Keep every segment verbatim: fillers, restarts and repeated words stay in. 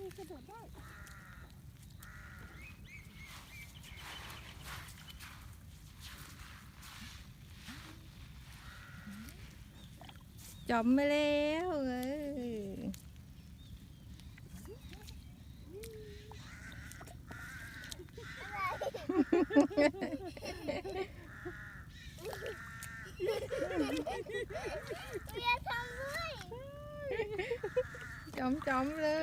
คือกระโดดได้จอมไปแล้วเออเบียร์ทำด้วยจอมจอมเลย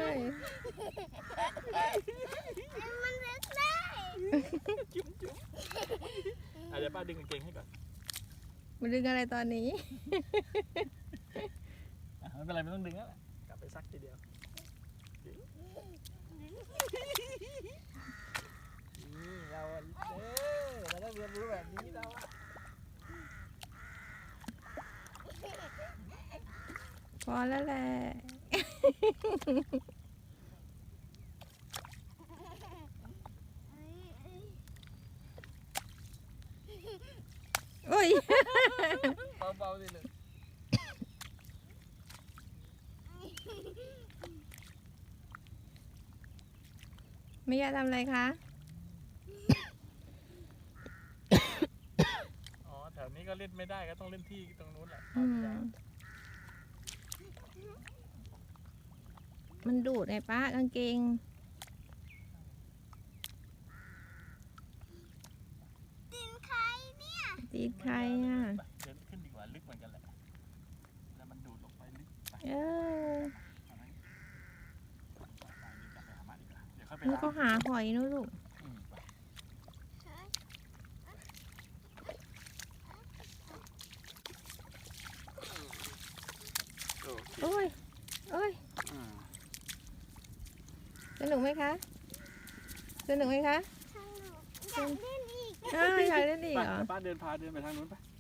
มันเล็กได้จุ๊บจุ๊บอ่ะเดี๋ยวป้าดึงกางเกงให้ก่อนมาดึงอะไรตอนนี้อ่ะไม่เป็นไรไม่ต้องดึงแล้วแหละกลับไปซักทีเดียวนี่เราอ่ะเออเราต้องเรียนรู้แบบนี้เราอ่ะพอแล้วแหละโอ้ยเบาๆสิเลยไม่อยากทำอะไรคะอ๋อแถวนี้ก็เล่นไม่ได้ก็ต้องเล่นที่ตรงนู้นแหละอืมมันดูดไงป้ากางเกงดินใครเนี่ยตีดใครอ่ะเดินขึ้นดีกว่าลึกเหมือนกันแหละแล้วมันดูดลงไปลึกไปเออเอาไหมไปไปเดี๋ยวกลับไปหาหมาดีกว่าเดี๋ยวค่อยไปนี่ล้างก็หาหอยนู่นลูกอืมไปโอเคโอ้ยโอ้ยอืมสนุกไหมคะ สนุกไหมคะสนุกอยากเล่นอีกอ้าวอยากเล่นอีกไปเหรอป้าเดินพาเดินไปทางนู้นไป